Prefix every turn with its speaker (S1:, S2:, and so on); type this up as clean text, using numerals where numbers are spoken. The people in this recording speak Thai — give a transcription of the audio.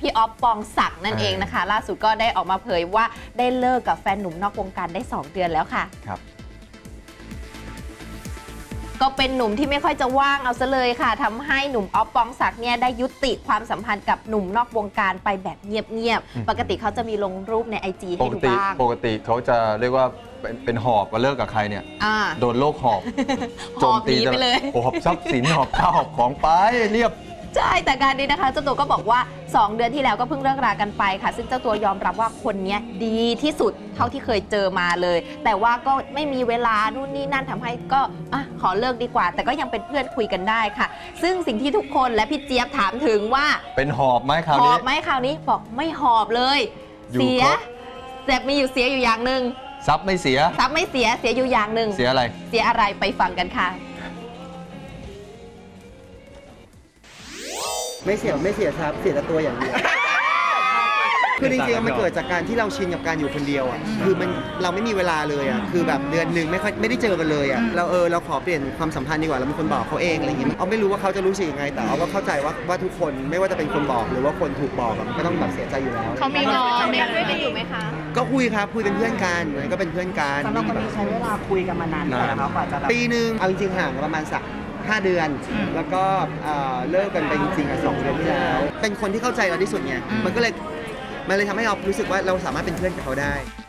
S1: พี่ออฟปองศักดิ์นั่นเองนะคะล่าสุดก็ได้ออกมาเผยว่าได้เลิกกับแฟนหนุ่มนอกวงการได้2 เดือนแล้วค่ะ
S2: ครับ
S1: ก็เป็นหนุ่มที่ไม่ค่อยจะว่างเอาซะเลยค่ะทำให้หนุ่มออฟปองศักดิ์เนี่ยได้ยุติความสัมพันธ์กับหนุ่มนอกวงการไปแบบเงียบๆปกติเขาจะมีลงรูปใน IG ให้ดูบ้าง
S2: ปกติเขาจะเรียกว่าเป็นหอบว่าเลิกกับใครเนี่ยโดนโรคหอบ
S1: โจมตีไปเลย
S2: หอบทรัพย์สินหอบข้าวหอบของไปเรียบ
S1: ใช่แต่การนี้นะคะเจ้าตัวก็บอกว่า2 เดือนที่แล้วก็เพิ่งเลิกรากันไปค่ะซึ่งเจ้าตัวยอมรับว่าคนนี้ดีที่สุดเท่าที่เคยเจอมาเลยแต่ว่าก็ไม่มีเวลานู่นนี่นั่นทำให้ก็ขอเลิกดีกว่าแต่ก็ยังเป็นเพื่อนคุยกันได้ค่ะซึ่งสิ่งที่ทุกคนและพี่เจี๊ยบถามถึงว่า
S2: เป็นหอบไหมคราวนี้
S1: หอบไหมคราวนี้บอกไม่หอบเลยเสียแต่มีอยู่เสียอยู่อย่างหนึ่ง
S2: ทรัพย์ไม่เสีย
S1: ทรัพย์ไม่เสียเสียอยู่อย่างหนึ่ง
S2: เสียอะไร
S1: เสียอะไรไปฟังกันค่ะ
S3: ไม่เสียทรัพย์เสียแต่ตัวอย่างเดียวคือจริงๆมันเกิดจากการที่เราชินกับการอยู่คนเดียวอ่ะคือเราไม่มีเวลาเลยอ่ะคือแบบเดือนหนึ่งไม่ได้เจอกันเลยอ่ะเราขอเปลี่ยนความสัมพันธ์ดีกว่าเราเป็นคนบอกเขาเองอะไรอย่างเงี้ยเอาไม่รู้ว่าเขาจะรู้สึกยังไงแต่เอาก็เข้าใจว่าทุกคนไม่ว่าจะเป็นคนบอกหรือว่าคนถูกบอกก็ต้องแบบเสียใจอยู่แล้ว
S1: เขามีงอนคุยกันอยู่ไหมคะ
S3: ก็คุยครับคุยเป็นเพื่อนกันก็เป็นเพื่อนกัน
S4: สำหรับคนนี้ใช้เวลาคุยกันมานานนะครับกว่าจะ
S3: ปีนึงเอาจริงๆห่างประมาณ5 เดือนแล้วก็เลิกกันไปจริงๆ2 เดือนที่แล้วเป็นคนที่เข้าใจเราที่สุดไงมันเลยทำให้เรารู้สึกว่าเราสามารถเป็นเพื่อนกับเขาได้